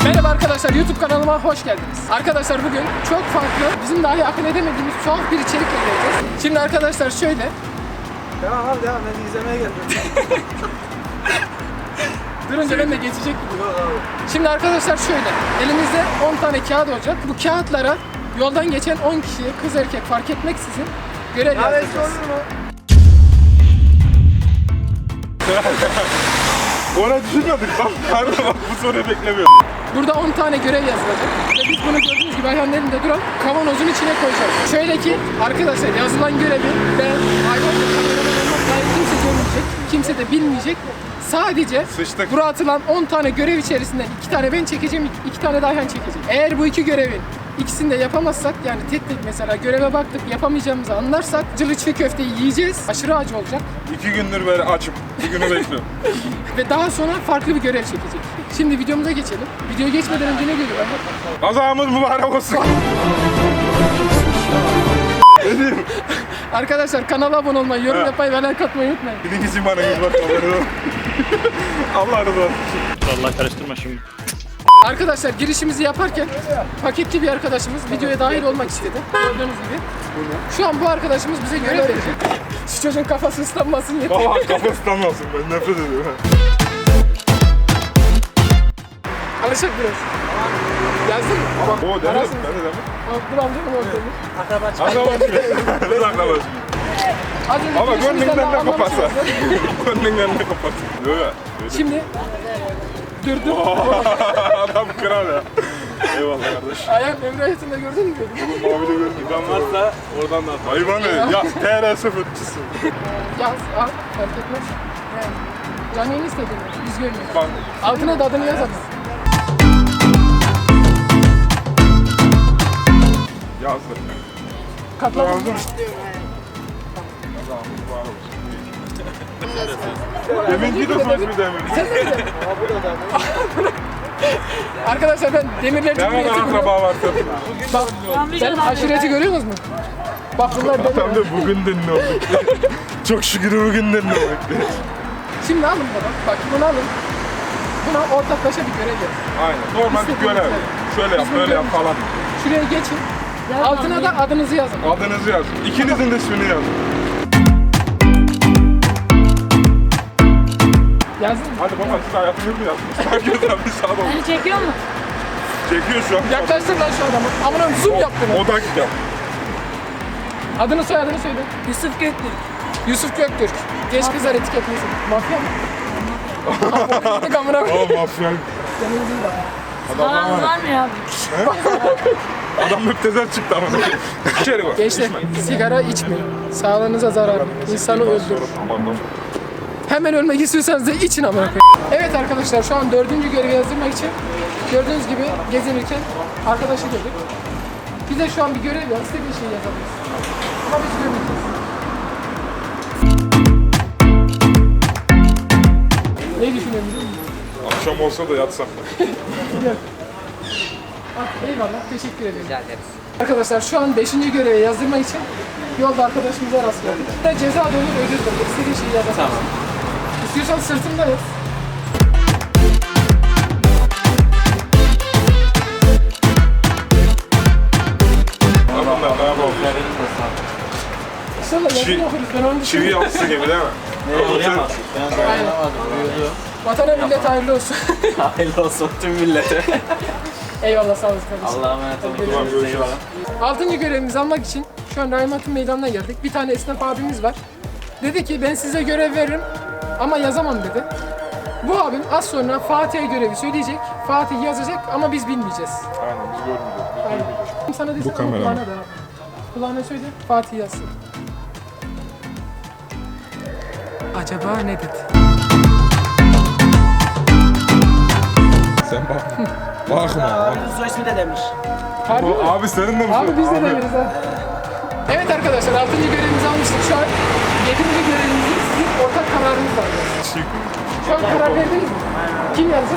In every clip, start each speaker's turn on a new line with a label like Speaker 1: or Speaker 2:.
Speaker 1: Merhaba arkadaşlar, YouTube kanalıma hoş geldiniz. Arkadaşlar bugün çok farklı, bizim dahi akıl edemediğimiz tuhaf bir içerikle geleceğiz. Şimdi arkadaşlar şöyle.
Speaker 2: Devam abi devam, ben izlemeye geldim.
Speaker 1: Durunca ben de geçecek gibi. Şimdi arkadaşlar şöyle, elimizde 10 tane kağıt olacak. Bu kağıtlara yoldan geçen 10 kişiye, kız erkek fark etmeksizin görev yazdıracağız.
Speaker 3: Ona düşünmedik lan. Harbi bak bu soruyu beklemiyorum.
Speaker 1: Burada 10 tane görev yazılacak. Ve biz bunu gördüğünüz gibi Ayhan'ın elinde duran kavanozun içine koyacağız. Şöyle ki arkadaşlar yazılan görevi ben Ayhan'la kameraman olmak dair kimse görmeyecek. Kimse de bilmeyecek. Sadece
Speaker 3: Sıçtık.
Speaker 1: buraya atılan 10 tane görev içerisinden 2 tane ben çekeceğim, 2 tane de Ayhan çekecek. Eğer bu iki görevin ikisini de yapamazsak, yani tek tek mesela göreve baktık yapamayacağımızı anlarsak cılı çiğ köfteyi yiyeceğiz. Aşırı acı olacak.
Speaker 3: 2 gündür böyle açım. Bir günü bekliyorum.
Speaker 1: Ve daha sonra farklı bir görev çekecek. Şimdi videomuza geçelim. Videoya geçmeden önce ne diyor Ayhan?
Speaker 3: Kazamız mübarek olsun. Ne diyeyim?
Speaker 1: Arkadaşlar kanala abone olmayı, yorum yapmayı ve like atmayı unutmayın.
Speaker 3: Birinci bana yüz bak kamerada. Allah razı olsun.
Speaker 4: Allah karıştırma şimdi.
Speaker 1: Arkadaşlar girişimizi yaparken paketli bir arkadaşımız videoya dahil olmak istedi. Gördüğünüz gibi. Şu an bu arkadaşımız bize görev verecek. Şu çocuğun kafası ıslanmasın yeter.
Speaker 3: Baba kafası ıslanmasın, ben nefret ediyorum.
Speaker 1: Alışık biraz. Yazdın mı?
Speaker 3: O denedim,
Speaker 1: Arasın.
Speaker 3: ben de denedim.
Speaker 1: Dur amca mı ortamı?
Speaker 2: Akraba çıktı.
Speaker 3: Akrabası. Biz akrabası.
Speaker 1: Az önce
Speaker 3: Ama
Speaker 1: girişimizden
Speaker 3: gönlünden ne
Speaker 1: anlamışsınız.
Speaker 3: koparsa. Gönlünden ne koparsa. Yok ya.
Speaker 1: Şimdi dur.
Speaker 3: Adam kral ya. Eyvallah kardeş.
Speaker 1: Ayağım Emre hayatında gördün mü?
Speaker 3: Abi de gördüm. Ben varsa oradan da at. Hayvan ne? Ya TR0 çizsin.
Speaker 1: Yaz, al, fark etmez. Yani canı yeni istediğini, biz görmüyoruz.
Speaker 3: Bak.
Speaker 1: Altına da adını yazalım.
Speaker 3: Yazdım.
Speaker 1: Katladın mı?
Speaker 3: Yazdım. Deminki de söz bir demin.
Speaker 1: Arkadaşlar ben Demirler
Speaker 3: Ne kadar
Speaker 1: Cumhuriyeti
Speaker 3: akraba var tabii.
Speaker 1: Bak, sen aşireti görüyor musun? Bak bunlar
Speaker 3: Tam
Speaker 1: Demirler.
Speaker 3: da bugünden ne olduk. Çok şükür bugünden ne olduk.
Speaker 1: Şimdi alın bunu. Bak bunu alın. Buna ortaklaşa bir görev yapın.
Speaker 3: Aynen. Normal bir görev. Şöyle yap, böyle yap falan.
Speaker 1: Şuraya geçin. Altına da adınızı yazın.
Speaker 3: Adınızı yazın. İkinizin de ismini yazın.
Speaker 1: Yazdın mı?
Speaker 3: Hadi baba siz hayatını mı yazdınız? Herkes yapmış sağ olun.
Speaker 5: Beni çekiyor mu?
Speaker 3: Çekiyor şu an.
Speaker 1: Yaklaştır lan şu adamı. Amına zoom yap bunu.
Speaker 3: Odak yap.
Speaker 1: Adını soyadını söyle.
Speaker 5: Yusuf Göktürk.
Speaker 1: Yusuf Göktürk. Genç kızlar etiketlesin. Mafya mı? Gittik amına koyayım.
Speaker 3: Oğlum mafya.
Speaker 1: Canınızın da.
Speaker 5: Paranız var mı ya?
Speaker 3: Adam müptezel çıktı ama. İçeri bak.
Speaker 1: Gençler sigara içmeyin. Sağlığınıza zararlı. İnsanı öldürür.
Speaker 3: Aman.
Speaker 1: Hemen ölmek istiyorsanız da için amına koyayım. Evet arkadaşlar şu an 4. görevi yazdırmak için gördüğünüz gibi gezinirken arkadaşı gördük. Bize şu an bir görev yaz, istediği şeyi yazabiliriz. Ama biz görmeyeceğiz. Ne düşünüyorsun biliyor musun?
Speaker 3: Akşam olsa da yatsak.
Speaker 1: Eyvallah, teşekkür ederim. Rica ederiz. Arkadaşlar şu an 5. görevi yazdırmak için yolda arkadaşımıza rastladık. Ve ceza dönür ödül dönür. İstediği şeyi yazabiliriz. Tamam. İstiyorsan sırtımda yaz.
Speaker 3: Adamlar ne yapalım?
Speaker 1: İnşallah yazını okuruz. Ben onu
Speaker 3: Çivi
Speaker 1: düşünüyorum.
Speaker 3: yapısı gibi değil mi?
Speaker 1: Aynen. Vatana millet hayırlı olsun.
Speaker 2: Hayırlı olsun tüm millete.
Speaker 1: Eyvallah sağ olasın kardeşim.
Speaker 2: Allah'a emanet olun.
Speaker 3: Tamam görüşürüz.
Speaker 1: 6. görevimizi almak için şu an Rahmet'in meydanına geldik. Bir tane esnaf abimiz var. Dedi ki ben size görev veririm ama yazamam dedi. Bu abim az sonra Fatih'e görevi söyleyecek. Fatih yazacak ama biz bilmeyeceğiz.
Speaker 3: Aynen biz görmeyeceğiz.
Speaker 1: Aynen. Sana desem
Speaker 3: kamera mı?
Speaker 1: kulağına da. Kulağına söyle Fatih yazsın. Acaba ne dedi?
Speaker 3: Sen bak. Bakma.
Speaker 2: Soy ismi de demiş.
Speaker 1: Harbi mi?
Speaker 3: Abi senin de mi?
Speaker 1: Abi biz de deneriz ha. Evet arkadaşlar 6. görevimizi almıştık. Şu an 7. görevimizi sizin ortak kararınız var. Şu an karar verdiniz mi? Kim yazacak?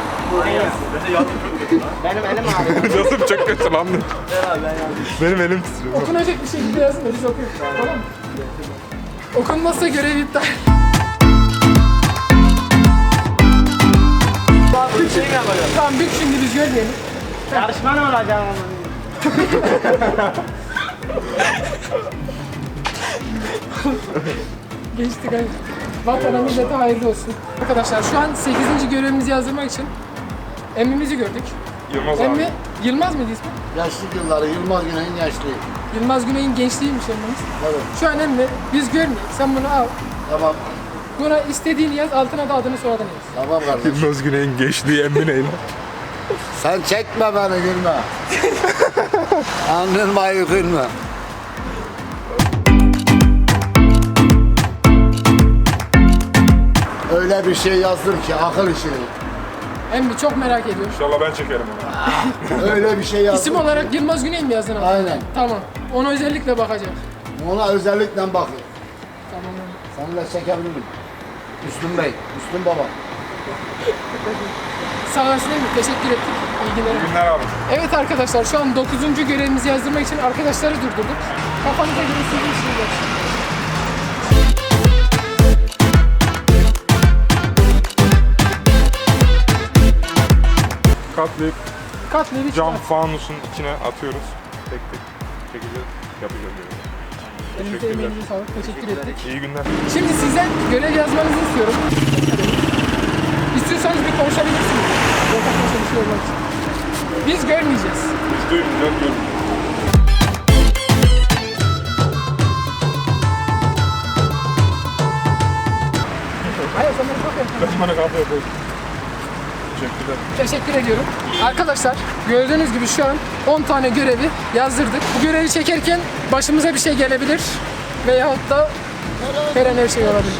Speaker 2: Benim elim ağrıyor.
Speaker 3: Nasıl çok kötü lan? Benim elim titriyor.
Speaker 1: Okunacak bir şekilde yazın da biz okuyalım. Tamam mı? Okunmazsa görev iptal.
Speaker 2: Şey mi yapacağım?
Speaker 1: Tamam bük şimdi biz görmeyelim.
Speaker 2: Yarışma ne olacak onun?
Speaker 1: Geçtik hadi. Vatana millete hayırlı olsun. Arkadaşlar şu an 8. görevimizi yazdırmak için emmimizi gördük.
Speaker 3: Yılmaz
Speaker 1: Emmi
Speaker 3: abi.
Speaker 1: Yılmaz mıydı ismi?
Speaker 4: Yaşlı yılları Yılmaz Güney'in yaşlı.
Speaker 1: Yılmaz Güney'in gençliğiymiş emmimiz.
Speaker 4: Evet.
Speaker 1: Şu an emmi biz görmeyiz. Sen bunu al.
Speaker 4: Tamam.
Speaker 1: Buna istediğini yaz, altına da adını soyadını yaz.
Speaker 4: Tamam kardeşim.
Speaker 3: Yılmaz Güney'in geçtiği emin eyle.
Speaker 4: Sen çekme beni gülme. Andırmayı gülme. Öyle bir şey yazdır ki akıl işi.
Speaker 1: Emmi çok merak ediyorum.
Speaker 3: İnşallah ben çekerim onu.
Speaker 4: Öyle bir şey yazdır.
Speaker 1: İsim olarak Yılmaz Güney mi yazdın abi?
Speaker 4: Aynen.
Speaker 1: Tamam. Ona özellikle bakacağım.
Speaker 4: Ona özellikle bakın.
Speaker 1: Tamam.
Speaker 4: Seninle çekebilirim. Müslüm Bey, Müslüm Baba.
Speaker 1: Sağ olasın Emmi. Teşekkür ettik. İyi günler.
Speaker 3: İyi günler abi.
Speaker 1: Evet arkadaşlar şu an 9. görevimizi yazdırmak için arkadaşları durdurduk. Kafanıza göre sizin işiniz.
Speaker 3: Katlayıp
Speaker 1: Katleri
Speaker 3: cam
Speaker 1: çıkart.
Speaker 3: fanusun içine atıyoruz. Tek tek çekeceğiz. Yapacağız böyle.
Speaker 1: Elinize
Speaker 3: Teşekkürler.
Speaker 1: emeğinize sağlık. Teşekkür ettik.
Speaker 3: İyi günler.
Speaker 1: Şimdi sizden görev yazmanızı istiyorum. İstiyorsanız bir konuşabilirsiniz. Ortaklaşa bir şey olmak için. Biz görmeyeceğiz.
Speaker 3: Biz duymayacağız, görmeyeceğiz.
Speaker 1: Hayır sen beni çok yakın.
Speaker 3: Ben bana kahve yapayım. Teşekkürler.
Speaker 1: Teşekkür ediyorum. Arkadaşlar gördüğünüz gibi şu an 10 tane görevi yazdırdık. Bu görevi çekerken başımıza bir şey gelebilir. Veyahut da her an her şey olabilir.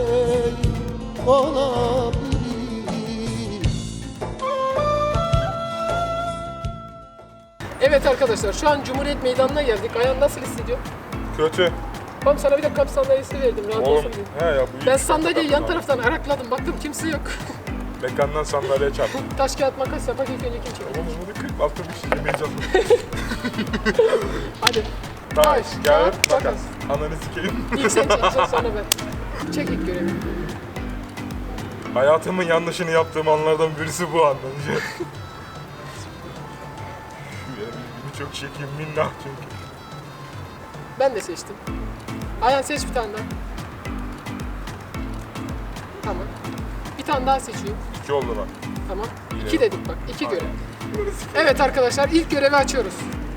Speaker 1: Evet arkadaşlar şu an Cumhuriyet Meydanı'na geldik. Ayağın nasıl hissediyor?
Speaker 3: Kötü.
Speaker 1: Oğlum sana bir de kamp sandalyesi verdim rahat
Speaker 3: Oğlum,
Speaker 1: olsun diye.
Speaker 3: he ya bu
Speaker 1: Ben
Speaker 3: iyi.
Speaker 1: sandalyeyi yan taraftan arakladım. Baktım kimse yok.
Speaker 3: Mekandan sandalyeye çarptım.
Speaker 1: Taş kağıt makas yapak ilk önce kim çeker?
Speaker 3: Oğlum bunu kırıp altı bir şey yemeye çalışıyorum.
Speaker 1: Hadi.
Speaker 3: Taş, kağıt,
Speaker 1: kağıt,
Speaker 3: makas.
Speaker 1: makas.
Speaker 3: Ananı sikeyim.
Speaker 1: İlk sen çekeceksin sonra ben. Çek ilk görevi.
Speaker 3: Hayatımın yanlışını yaptığım anlardan birisi bu anlayacak. Şu elimi çok çekeyim minnak çünkü.
Speaker 1: Ben de seçtim. Ayhan seç bir tane daha. Tamam. Bir tane daha seçiyorum.
Speaker 3: 2 oldu bak.
Speaker 1: Tamam. 2 dedik bak. 2 görev. Evet arkadaşlar ilk görevi açıyoruz.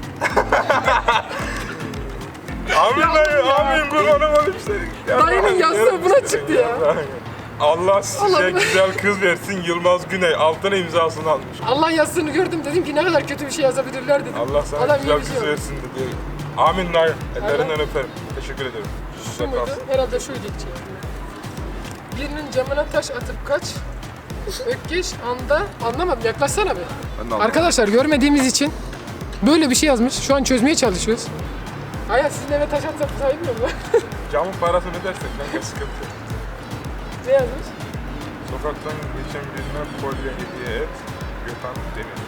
Speaker 3: Amin dayı, amin kurbanım olayım seni.
Speaker 1: Dayının yazdığı buna çıktı ya.
Speaker 3: Allah size
Speaker 1: Allah.
Speaker 3: güzel kız versin Yılmaz Güney. Altına imzasını almış.
Speaker 1: Allah yazdığını gördüm dedim ki ne kadar kötü bir şey yazabilirler dedim.
Speaker 3: Allah sana
Speaker 1: Adam
Speaker 3: güzel
Speaker 1: iyi bir
Speaker 3: kız
Speaker 1: şey yapmış.
Speaker 3: versin dedi. Amin dayı. Ellerinden öperim. Teşekkür ederim.
Speaker 1: Şu
Speaker 3: Güzel
Speaker 1: muydu?
Speaker 3: kalsın.
Speaker 1: Herhalde şuydu içi. Birinin camına taş atıp kaç. Ökkeş anda anlamadım yaklaşsana bir. Arkadaşlar görmediğimiz için böyle bir şey yazmış. Şu an çözmeye çalışıyoruz. Ayhan sizin eve taş atsam sayılmıyor mu?
Speaker 3: Camın parasını ödersek kanka sıkıntı yok.
Speaker 1: Ne yazmış?
Speaker 3: Sokaktan geçen birine kolye hediye et. Gökhan Demir.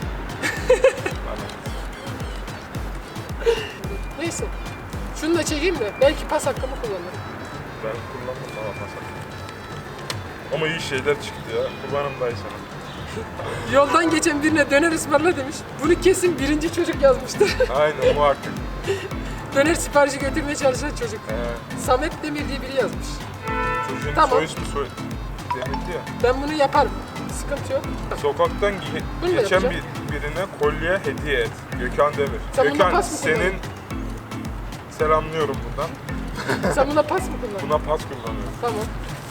Speaker 1: Neyse. Şunu da çekeyim de belki pas hakkımı kullanırım.
Speaker 3: Ben kullandım ama masak. Ama iyi şeyler çıktı ya. Kurbanım dayı sana.
Speaker 1: Yoldan geçen birine döner ısmarla demiş. Bunu kesin birinci çocuk yazmıştır.
Speaker 3: Aynen muhakkak.
Speaker 1: Döner siparişi götürmeye çalışan çocuk.
Speaker 3: He.
Speaker 1: Samet Demir diye biri yazmış.
Speaker 3: Çocuğun
Speaker 1: Tamam.
Speaker 3: soy ismi Demirdi ya.
Speaker 1: Ben bunu yaparım. Sıkıntı yok.
Speaker 3: Sokaktan
Speaker 1: Bunu da
Speaker 3: geçen
Speaker 1: yapacağım.
Speaker 3: birine kolye hediye et. Gökhan Demir.
Speaker 1: Sen buna
Speaker 3: Gökhan
Speaker 1: pas mı
Speaker 3: senin selamlıyorum buradan.
Speaker 1: Sen buna pas mı kullandın?
Speaker 3: Buna pas kullanıyorum.
Speaker 1: Tamam.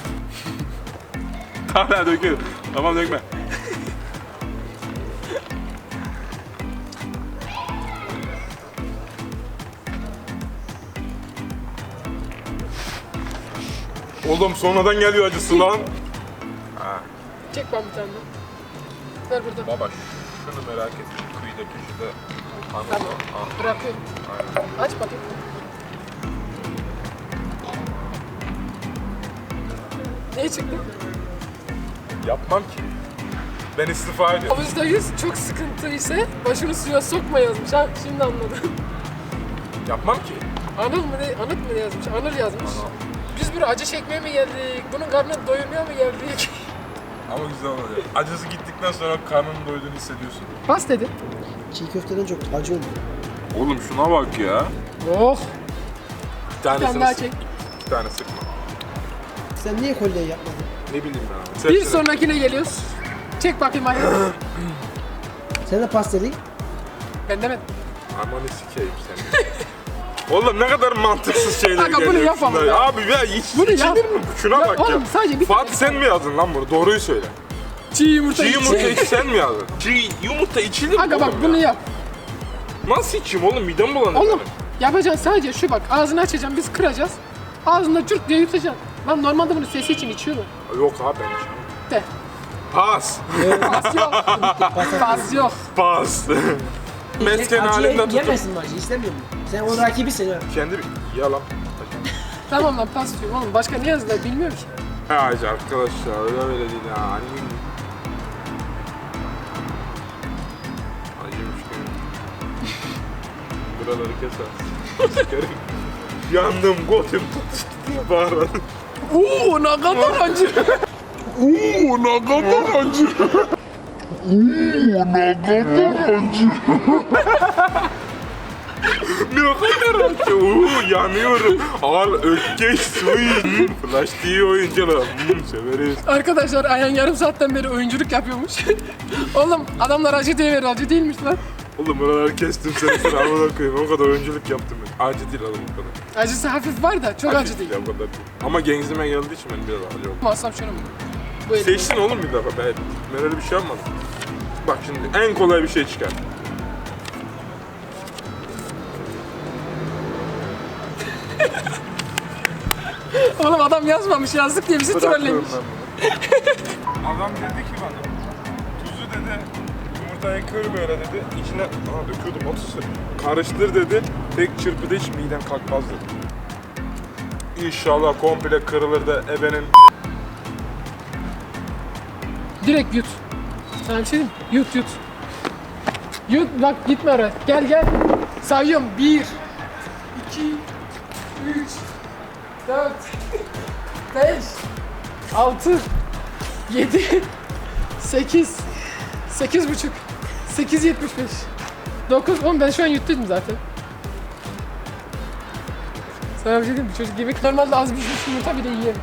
Speaker 3: Hala döküyor. Tamam dökme. Oğlum sonradan geliyor acısı lan.
Speaker 1: Çek ben bir tane daha. Ver burada.
Speaker 3: Baba şunu merak ettim. Kıyıda köşede.
Speaker 1: Tamam. Bırakıyorum. Aç bakayım. Ne çıktı?
Speaker 3: Yapmam ki. Ben istifa ediyorum.
Speaker 1: %100 çok sıkıntı ise başını suya sokma yazmış. Ha şimdi anladım.
Speaker 3: Yapmam ki.
Speaker 1: Anıl mı ne? Anıt mı ne yazmış? Anıl yazmış. Biz buraya acı çekmeye mi geldik? Bunun karnını doyurmaya mı geldik?
Speaker 3: Ama güzel oluyor. Acısı gittikten sonra karnının doyduğunu hissediyorsun.
Speaker 1: Bas dedi.
Speaker 6: Çiğ köfteden çok acı oluyor.
Speaker 3: Oğlum şuna bak ya.
Speaker 1: Oh.
Speaker 3: Bir
Speaker 1: Bir tane
Speaker 3: tanesini
Speaker 1: daha
Speaker 3: sık.
Speaker 1: çek.
Speaker 3: 2 tane sıkma.
Speaker 6: Sen niye kolyeyi yapmadın?
Speaker 3: Ne bileyim ben abi.
Speaker 1: Bir
Speaker 3: Hepsini-
Speaker 1: sonrakine geliyoruz. Çek bakayım ayağı.
Speaker 6: Sen de pasteli.
Speaker 1: Ben demedim.
Speaker 3: Amanı sikeyim seni. Oğlum ne kadar mantıksız şeyler
Speaker 1: Kanka bunu
Speaker 3: geliyor
Speaker 1: yapamam
Speaker 3: şunlara.
Speaker 1: ya.
Speaker 3: Abi ya hiç
Speaker 1: Bunu
Speaker 3: içilir
Speaker 1: yap.
Speaker 3: mi? Şuna
Speaker 1: Ya
Speaker 3: bak
Speaker 1: oğlum,
Speaker 3: ya.
Speaker 1: sadece bir
Speaker 3: Fatih sen mi yazdın lan bunu? Doğruyu söyle.
Speaker 1: Çiğ yumurta.
Speaker 3: Çiğ yumurta
Speaker 1: içecek.
Speaker 3: sen mi yazdın? Çiğ yumurta içilir mi
Speaker 1: Kanka bak
Speaker 3: oğlum
Speaker 1: bunu
Speaker 3: ya?
Speaker 1: yap.
Speaker 3: Nasıl içeyim oğlum? Midem bulanır
Speaker 1: Oğlum
Speaker 3: benim.
Speaker 1: yapacaksın sadece şu bak ağzını açacağım biz kıracağız. Ağzında cırt diye yutacaksın. Lan normalde bunu sesi için içiyorlar.
Speaker 3: Yok abi ben içmem.
Speaker 1: De.
Speaker 3: Pas.
Speaker 1: Pas yok. Pas yok.
Speaker 3: Pas. Mesken halinde tutup
Speaker 6: Yemesin mi acı? İstemiyor musun? Sen onun rakibisin ha.
Speaker 3: kendi ya lan.
Speaker 1: Tamam lan pas diyorum oğlum. Başka ne yazdılar bilmiyorum ki.
Speaker 3: Ha arkadaşlar öyle değil ya. Annem. Acıymış ki. Buraları keser. Sikerim. Yandım, gotum tutuştu diye bağırdım.
Speaker 1: Oo ne kadar acı.
Speaker 3: Oo ne kadar acı. Ne kadar acı. Oo yanıyorum. Al ökkeş suyu. Flash TV oyuncular. Severiz.
Speaker 1: Arkadaşlar Ayhan yarım saatten beri oyunculuk yapıyormuş. Oğlum adamlar acı diye verir acı değilmiş lan.
Speaker 3: Oğlum buraları kestim seni sıra havada koyayım. O kadar oyunculuk yaptım ben. Acı değil oğlum o kadar.
Speaker 1: Acısı hafif var da çok acı değil.
Speaker 3: Ya, o kadar değil. Ama genzime geldiği için benim biraz acı oldu.
Speaker 1: Masam şunu mu? Bu elim.
Speaker 3: Seçtin oğlum bir defa. Ben öyle bir şey yapmadım. Bak şimdi en kolay bir şey çıkar.
Speaker 1: Oğlum adam yazmamış yazdık diye bizi trollemiş.
Speaker 3: Bırakıyorum ben bunu. Adam dedi ki bana, tuzu dedi, yumurtayı kır böyle dedi, içine, döküyordum o tuzu. Karıştır dedi, tek çırpıda hiç miden kalkmaz dedi. İnşallah komple kırılır da ebenin
Speaker 1: Direkt yut. Sana bir şey diyeyim mi? Yut yut. Yut bak gitme oraya. Gel gel. Sayıyorum. 1 2 3 4 5 6 7 8 8,5 8,75 9 10 ben şu an yuttum zaten. Sana bir şey diyeyim mi? Çocuk yemek normalde az bir şey yumurta bile yiyor.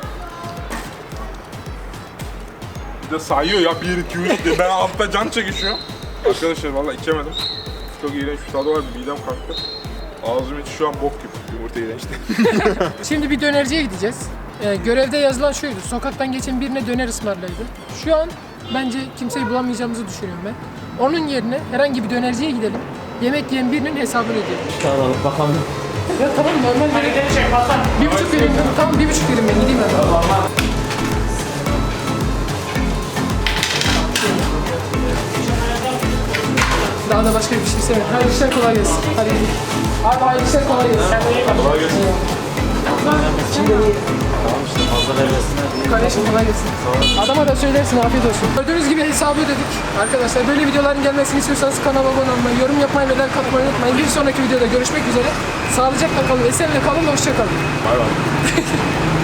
Speaker 3: bir de sayıyor ya 1, 2, 3 diye. Ben altta can çekişiyorum. Arkadaşlar vallahi içemedim. Çok iğrenç bir tadı var, midem kalktı. Ağzım içi şu an bok gibi. Yumurta iğrençti.
Speaker 1: Şimdi bir dönerciye gideceğiz. Görevde yazılan şuydu. Sokaktan geçen birine döner ısmarlaydı. Şu an bence kimseyi bulamayacağımızı düşünüyorum ben. Onun yerine herhangi bir dönerciye gidelim. Yemek yiyen birinin hesabını ödeyelim.
Speaker 6: Tamam bakalım.
Speaker 1: Ya tamam normal. Bir buçuk vereyim ben. Tamam 1,5 vereyim ben gideyim ben. Daha da başka bir şey istemiyorum. Hayırlı işler kolay gelsin. Hadi gidelim. Abi hayırlı işler kolay gelsin.
Speaker 3: Kolay gelsin.
Speaker 1: Kardeşim kolay gelsin. Adama da söylersin afiyet olsun. Gördüğünüz gibi hesabı ödedik. Arkadaşlar böyle videoların gelmesini istiyorsanız kanala abone olmayı, yorum yapmayı ve like atmayı unutmayın. Bir sonraki videoda görüşmek üzere. Sağlıcakla kalın, esenle kalın, hoşça kalın.
Speaker 3: Bay bay.